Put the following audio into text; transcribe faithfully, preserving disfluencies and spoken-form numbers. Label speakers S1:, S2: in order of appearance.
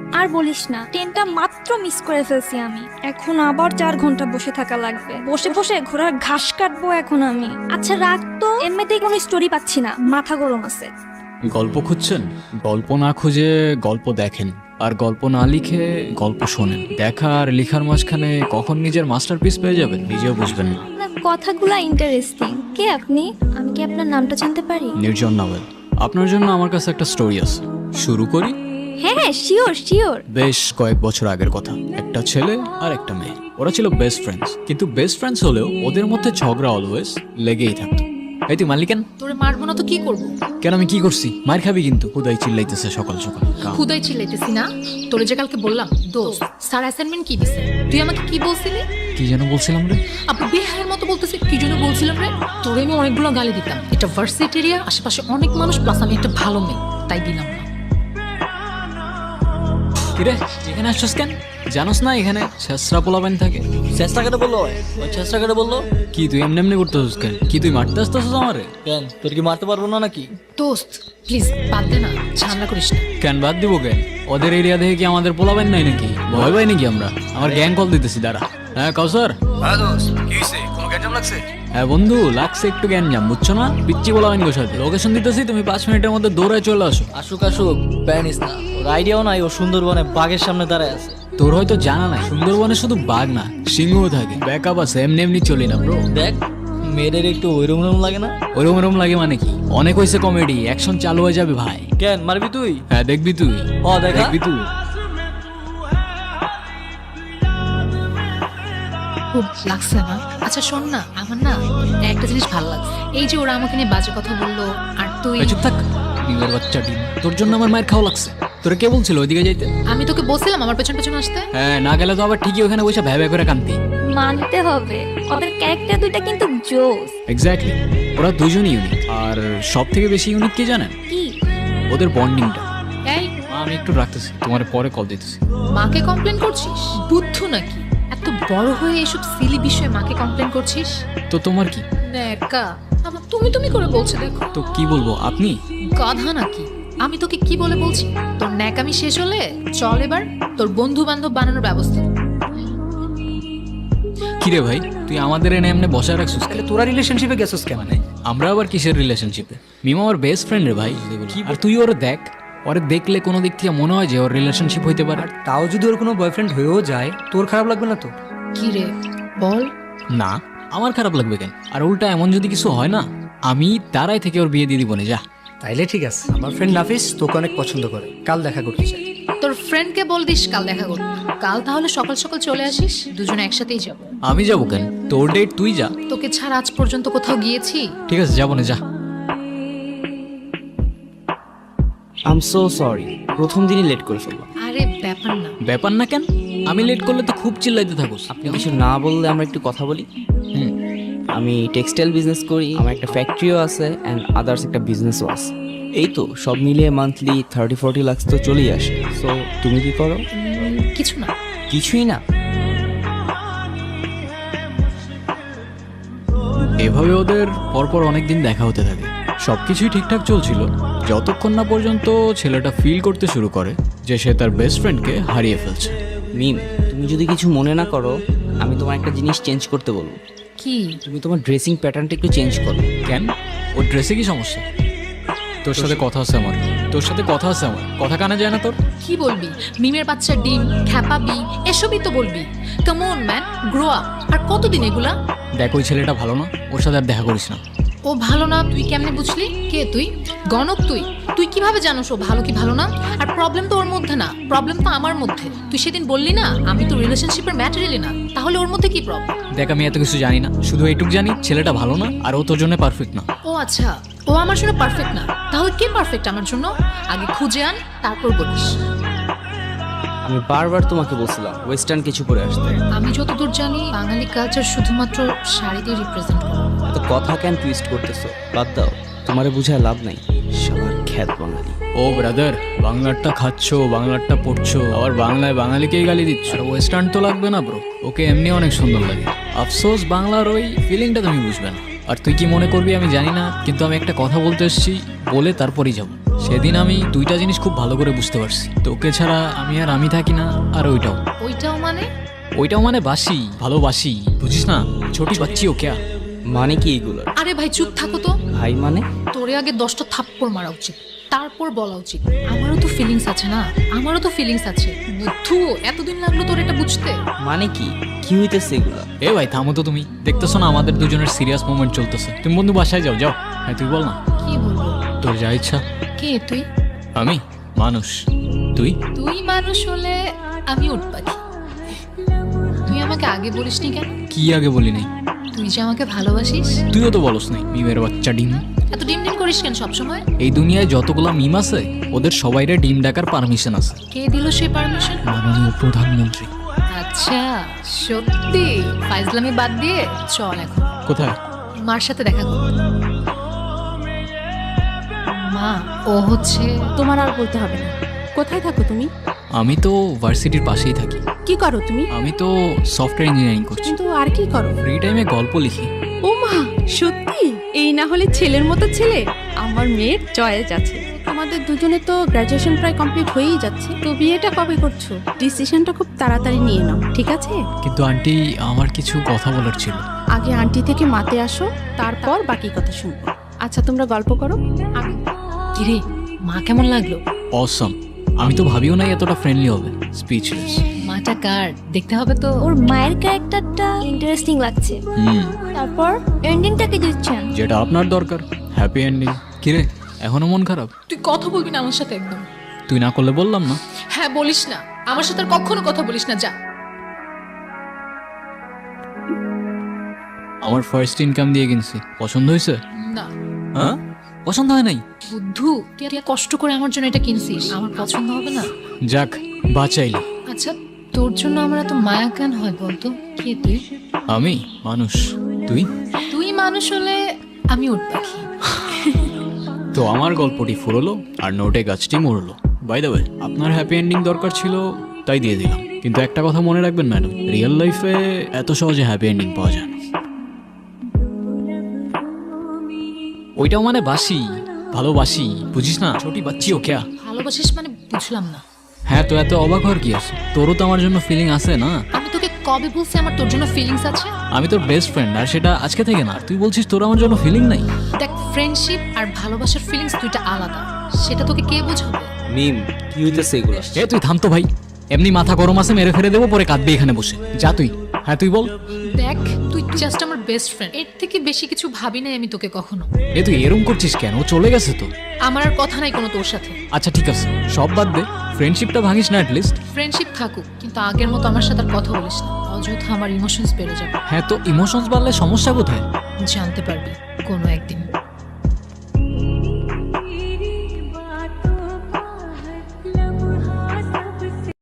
S1: আর বলিস না, ট্রেনটা মাত্র মিস করে ফেলছি আমি। এখন আবার চার ঘন্টা বসে থাকা লাগবে, বসে বসে ঘোড়ার ঘাস কাটবো এখন আমি। আচ্ছা রাখ তো, এমনিতেই কোনো স্টোরি পাচ্ছি না, মাথা গরম আছে।
S2: গল্প খুঁজছেন? গল্প না খুঁজে গল্প দেখেন, আর গল্প না লিখে গল্প শোনেন। দেখা আর লিখার মাঝখানে কখন নিজের মাস্টারপিস পেয়ে যাবেন নিজেও বুঝবেন না।
S1: আপনার কথাগুলা ইন্টারেস্টিং। কে আপনি? আমি কি আপনার নামটা জানতে পারি?
S2: নির্জন নাওয়েল। আপনার জন্য আমার কাছে একটা স্টোরি আছে, শুরু করি?
S1: হ্যাঁ হ্যাঁ, শিওর শিওর।
S2: বেশ কয়েক বছর আগের কথা। একটা ছেলে আর একটা মেয়ে, ওরা ছিল বেস্ট ফ্রেন্ডস। কিন্তু বেস্ট ফ্রেন্ডস হলেও ওদের মধ্যে ঝগড়া অলওয়েজ লেগেই থাকতো। এই তুই মারলি কেন?
S3: তোরে মারবো না তো কি করবো?
S2: কেন, আমি কি করছি? মার খাবি কিন্তু। হুদাই চিল্লাইতেছে সকাল সকাল।
S3: খুদাই চিল্লাইতেছি না, তোরে যে কালকে বললাম দোস্ত স্যার অ্যাসাইনমেন্ট কি দিছে, তুই আমাকে কি বলছিলি?
S2: কি যেন বলছিলাম রে?
S3: আপু বেহায়ের মতো বলতেছে কি জন্য বলছিলাম রে? তোরে আমি অনেকগুলো গালি দিতাম। এটা ভার্সিটি এরিয়া, আশেপাশে অনেক মানুষ, প্লাস আমি একটা ভালো মেয়ে, তাই দিলাম না।
S2: কিরে এখানে আসছিস কেন? জানোস না এখানে ছেসরা পোলাবেন থাকে?
S4: চেষ্টা করে বললো, ওই চেষ্টা করে বললো।
S2: কি তুই এমনি এমনি করতেছিস কেন? কি তুই মারতে আসতেছিস আমারে?
S4: কেন, তোর কি মারতে পারবো না নাকি?
S3: দোস্ত প্লিজ বাদ দে না, ঝামেলা করিস না।
S2: কেন বাদ দিব কেন? ওদের এরিয়া দেখে কি আমাদের পোলাবেন নাই নাকি? ভয় পাই নাকি আমরা? আমার গ্যাং কল দিতেছি দাঁড়া। হ্যাঁ কাউসার।
S5: হ্যাঁ দোস্ত, কি হইছে? কোনো গ্যাঞ্জাম লাগছে?
S2: হ্যাঁ বন্ধু, লাগছে একটু গ্যাঞ্জাম, বুঝছো না? পিচ্ছি পোলাবেন গো সাথে। লোকেশন দিতেছি, তুমি পাঁচ মিনিটের মধ্যে দৌড়ায় চলে আসো।
S4: আসুক আসুক, প্যানিস না। ওর আইডিয়াও নাই ও সুন্দরবনে বাঘের সামনে দাঁড়ায় আছে।
S2: তোর হয়তো জানা নাই, সুন্দরবনে শুধু বাঘ না সিংহও থাকে। ব্যাকআপ আছে, এমনি এমনি চলি না ব্রো।
S4: দেখ মেয়েদের একটু ওইরম রকম লাগে না?
S2: ওরম ওরম লাগে মানে কি? অনেক হয়েছে কমেডি, অ্যাকশন চালু হয়ে যাবে ভাই।
S4: কেন মারবি তুই?
S2: হ্যাঁ দেখবি তুই।
S4: ও দেখা।
S2: দেখবি তুই।
S3: খুব লাগছে না? আচ্ছা শোন না, আমার না একটা জিনিস ভালো লাগছে, এই যে ওরা আমাকে নিয়ে বাজে কথা বললো, আর তুই।
S2: এই চুপ থাক, ডিমের বাচ্চা ডিম। তোর জন্য আমার মায়ের খাওয়া লাগছে। তোরা কে বলছিল ওইদিকে যাইতে?
S3: আমি তোকে বলছিলাম আমার পেছন পেছন আসতে।
S2: হ্যাঁ, না গেলে তো আবার ঠিকই ওখানে বসে ভ্যা ভ্যা করে কান্তি।
S1: মানতে হবে, ওদের ক্যারেক্টার দুইটা কিন্তু জোস।
S2: এক্স্যাক্টলি, ওরা দুজনই ইউনিক। আর সব থেকে বেশি ইউনিক কে জানেন?
S1: কি?
S2: ওদের বন্ডিংটা।
S3: এই
S2: আমি একটু রাখতেছি, তোমার পরে কল দিতেছি।
S3: মাকে কমপ্লেন করছিস? বুদ্ধ নাকি? এত বড় হয়ে এসব সিলি বিষয়ে মাকে কমপ্লেন করছিস?
S2: তো তোমার কি?
S3: নেকা আমার তুমি তুমি করে বলছে, দেখো
S2: তো কি বলবো, আপনি?
S3: গাধা নাকি? আমি তোকে কি বলে বলছি? তোর ন্যাকামি শেষ হলে চল এবার তোর বন্ধু বান্ধব বানানোর ব্যবস্থা।
S2: কিরে ভাই, তুই আমাদের এনে এমনি বসায় রাখছিস কেন?
S5: তোরা রিলেশনশিপে গেছিস কেন?
S2: মানে আমরা আবার কিসের রিলেশনশিপে? মিমা আমার বেস্ট ফ্রেন্ড রে ভাই। আর তুই ওরে দেখ, ওরে দেখলে কোনো দিক থেকে মনে হয় যে ওর রিলেশনশিপ হইতে পারে।
S5: তাও যদি ওর কোনো বয়ফ্রেন্ড হয়েও যায়, তোর খারাপ লাগবে না তো?
S3: কি রে বল।
S2: না, আমার খারাপ লাগবে কেন? আর উল্টা এমন যদি কিছু হয় না, আমি তারাই থেকে ওর বিয়ে দিয়ে দিব না। যা।
S5: তাইলে ঠিক আছে। আমার ফ্রেন্ড নাফিস তোকে অনেক পছন্দ করে, কাল দেখা করতে চাই।
S3: তোর ফ্রেন্ডকে বল দিস কাল দেখা করতে। কাল তাহলে সকাল সকাল চলে আসিস, দুজনে একসাথেই যাব।
S2: আমি যাবো কেন? তোর ডেট তুই যা।
S3: তোকে ছাড়া আজ পর্যন্ত কোথাও গিয়েছি?
S2: ঠিক আছে, যাবো না, যা।
S6: আই এম সো সরি, প্রথম দিনই লেট করে ফেললাম।
S3: আরে ব্যাপার না।
S2: ব্যাপার না কেন? আমি লেট করলে তো খুব চিল্লাইতে থাকোস।
S6: আপনি কিছু না বললে আমরা একটু কথা বলি।
S2: হুম।
S6: আমি টেক্সটাইল বিজনেস করি, আমার একটা ফ্যাক্টরিও আছে অ্যান্ড আদার্স একটা বিজনেসও আছে। এই তো সব মিলিয়ে মান্থলি থার্টি ফোর্টি লাক্স তো চলেই আসে। সো তুমি কি করো?
S3: উম, কিছু না।
S6: কিছুই না?
S2: এভাবে ওদের পরপর অনেকদিন দেখা হতে থাকে। সবকিছুই ঠিকঠাক চলছিল যতক্ষণ না পর্যন্ত ছেলেটা ফিল করতে শুরু করে যে সে তার বেস্ট ফ্রেন্ডকে হারিয়ে ফেলছে।
S6: মিম, তুমি যদি কিছু মনে না করো, আমি তোমার একটা জিনিস চেঞ্জ করতে বলবো।
S3: কি?
S6: তুমি তোমার ড্রেসিং প্যাটার্নটা একটু চেঞ্জ করো।
S2: কেন? ওর ড্রেসে কি সমস্যা? তোর সাথে কথা আছে আমার, তোর সাথে কথা আছে আমার, কথা কানে যায় না তোর?
S3: কি বলবি? মিমের বাচ্চা ডিম খ্যাপাবি এসবই তো বলবি। Come on man, grow up. আর কতদিন এগুলা?
S2: দেখ, ওই ছেলেটা ভালো না, ওর সাথে আর দেখা করিস না।
S3: ও ভালো না তুই কেমনে বুঝলি? কে তুই? গণক তুই? তুই কিভাবে জানোস ও ভালো কি ভালো না? আর প্রবলেম তো ওর মধ্যে না, প্রবলেম তো আমার মধ্যে। তুই সেদিন বললি না আমি তো রিলেশনশিপের ম্যাটেরিয়ালই না, তাহলে ওর মধ্যে কি প্রবলেম?
S2: দেখ, আমি এত কিছু জানি না, শুধু এইটুকু জানি ছেলেটা ভালো না আর ও তোর জন্য পারফেক্ট না।
S3: ও আচ্ছা, ও আমার জন্য পারফেক্ট না, তাহলে কে পারফেক্ট আমার জন্য? আগে খুঁজে আন, তারপর বলিস।
S6: আমি বারবার তোমাকে বলছিলাম ওয়েস্টার্ন কিছু পরে আসতে।
S3: আমি যতদূর জানি বাঙালি কালচার শুধুমাত্র শাড়ি দিয়ে রিপ্রেজেন্ট করে।
S6: এত কথা কেন টুইস্ট করতেছো? বাদ দাও, তোমারে বুঝায় লাভ নাই। সবার খ্যাত বাঙালি।
S2: ও ব্রাদার, বাংলারটা খাচ্ছো, বাংলারটা পড়ছো, আবার বাংলায় বাঙালিকেই গালি দিচ্ছ। আর ওয়েস্টার্ন তো লাগবে না ব্রো, ওকে এমনি অনেক সুন্দর লাগে। আফসোস বাংলার ওই ফিলিংটা তুমি বুঝবে না। আর তুই কি মনে করবি আমি জানি না, কিন্তু আমি একটা কথা বলতে এসেছি, বলে তারপরই যাবো। সেদিন আমি দুইটা জিনিস খুব ভালো করে বুঝতে পারছি, তোকে ছাড়া আমি আর আমি থাকি না, আর ওইটাও
S3: ওইটাও মানে?
S2: ওইটাও মানে বাসি, ভালোবাসি, বুঝিস না? ছোটি বাচ্চি ও ক্যা?
S6: মানে কি এগুলো?
S3: আরে ভাই চুপ থাকো তো।
S6: ভাই মানে?
S3: তোরে আগে দশটা থাপ্পড় মারা উচিত, তারপর বলা উচিত। আমারও তো ফিলিংস আছে না, আমারও তো ফিলিংস আছে। বুদ্ধু, এতদিন লাগলো তোর এটা বুঝতে?
S6: মানে কি কি হইতেছে এগুলা?
S2: এ ভাই থামো তো, তুমি দেখতেছো না আমাদের দুজনের সিরিয়াস মোমেন্ট চলতেছে? তুমি বন্ধু বাসায় যাও, যাও। হ্যাঁ তুই বল না,
S3: কি বলবো?
S2: তোর যা ইচ্ছা।
S3: কে তুই?
S2: আমি মানুষ, তুই?
S3: তুই মানুষ হলে আমি উঠ পাখি। তুই আমাকে আগে বলিসনি কেন?
S2: কি আগে বলি নাই?
S3: তুই যে আমাকে ভালোবাসিস।
S2: তুইও তো বলস নাই, মিমের বাচ্চা ডিম।
S3: এত ডিম ডিম করিস কেন সবসময়?
S2: এই দুনিয়ায় যতগুলা মিম আছে ওদের সবাইরে ডিম ডাকার পারমিশন আছে
S3: কে দিল সেই পারমিশন?
S2: মাননীয় প্রধানমন্ত্রী।
S3: আচ্ছা, সত্যি? ফাইজলামি বাদ দিয়ে চল এখন
S2: কোথায়?
S3: মার সাথে দেখা কর। মা, ও হচ্ছে
S7: তোমার আর বলতে হবে না। কোথায় থাকো তুমি?
S2: আমি তো ভার্সিটির পাশেই থাকি।
S7: কি করো তুমি?
S2: আমি তো সফটওয়্যার ইঞ্জিনিয়ারিং করছি।
S7: কিন্তু আর কি করো?
S2: ফ্রি টাইমে গল্প লিখি।
S7: ও মা, সত্যি? এই না হলে ছেলের মতো ছেলে। আমার মেয়ের চয়েস আছে। আমাদের দুজনে তো গ্র্যাজুয়েশন প্রায় কমপ্লিট হয়েই যাচ্ছে, তো বিয়েটা কবে করছো? ডিসিশনটা খুব তাড়াতাড়ি নিয়ে নাও, ঠিক আছে?
S2: কিন্তু আন্টি, আমার কিছু কথা বলার ছিল।
S7: আগে আন্টি থেকে মাতে আসো, তারপর বাকি কথা শুনবো। আচ্ছা তোমরা গল্প করো, আমি
S3: কিরে, মা কেমন লাগলো?
S2: অসম। আমি তো ভাবিও নাই এতটা ফ্রেন্ডলি হবে। স্পিচলেস।
S3: মাটা কার দেখতে হবে তো।
S1: ওর মায়ের ক্যারেক্টারটা ইন্টারেস্টিং লাগছে।
S2: হুম,
S1: তারপর এন্ডিংটা কি দিচ্ছেন?
S2: যেটা আপনার দরকার, হ্যাপি এন্ডিং। কিরে, এখনো মন খারাপ?
S3: তুই কথা বলবি না আমার সাথে একদম?
S2: তুই না করলে বললাম না।
S3: হ্যাঁ, বলিস না আমার সাথে আর কখনো কথা বলিস না, যা।
S2: আমার ফার্স্ট ইনকাম দিয়ে কিনছি, পছন্দ হয়েছে?
S3: না।
S2: হ্যাঁ, পছন্দ হয় নাই?
S3: বুদ্ধু, তুই এত কষ্ট করে আমার জন্য এটা কিনছিস, আমার পছন্দ হবে না?
S2: যাক, বাঁচাইলি।
S3: আচ্ছা, তোর জন্য আমার এত মায়া কেন হয় বলতো? কে তুই?
S2: আমি মানুষ, তুই?
S3: তুই মানুষ হলে আমি উঠ পাখি।
S2: তো আমার গল্পটি ফুরলো আর নোটে গাছটি মরলো। বাই দ্য ওয়ে, আপনার হ্যাপি এন্ডিং দরকার ছিল তাই দিয়ে দিলাম। কিন্তু একটা কথা মনে রাখবেন ম্যাডাম, রিয়েল লাইফে এত সহজে হ্যাপি এন্ডিং পাওয়া যায় না। ওইটাও মানে বাসি, ভালোবাসি, বুঝিস না? ছোটি বাচ্চি ও ক্যা?
S3: ভালোবাসিস মানে বুঝলাম না।
S2: হ্যাঁ, তো এত অবাক হওয়ার কি আছে? তোরও তো আমার জন্য ফিলিং আছে না?
S3: আমি তোকে কবে বলছি আমার তোর জন্য ফিলিংস আছে?
S2: আমি তোর বেস্ট ফ্রেন্ড, আর সেটা আজকে থেকে না। তুই বলছিস তোর আমার জন্য ফিলিং নাই?
S3: দেখ, ফ্রেন্ডশিপ আর ভালোবাসার ফিলিংস দুইটা আলাদা, সেটা তোকে কে বোঝাবে?
S6: মিম, কি হইতেছে এগুলা?
S2: এ তুই থাম তো ভাই, এমনি মাথা গরম আছে, মেরে ফেলে দেবো, পরে কাঁদবি এখানে বসে। যা তুই। হ্যাঁ তুই বল।
S3: দেখ, তুই জাস্ট আমার বেস্ট ফ্রেন্ড, এর থেকে বেশি কিছু ভাবি নাই আমি তোকে কখনো।
S2: এ তুই এরম করছিস কেন? ও চলে গেছে তো।
S3: আমার আর কথা নাই কোনো তোর সাথে।
S2: আচ্ছা ঠিক আছে, সব বাদ দে, ফ্রেন্ডশিপটা ভাঙিস না অ্যাটলিস্ট।
S3: ফ্রেন্ডশিপ থাকুক, কিন্তু আগের মতো আমার সাথে আর কথা বলিস না, অযথা আমার ইমোশনস বেড়ে যাবে।
S2: হ্যাঁ, তো ইমোশনস বাড়লে সমস্যা কোথায়?
S3: জানতে পারবি কোনো একদিন।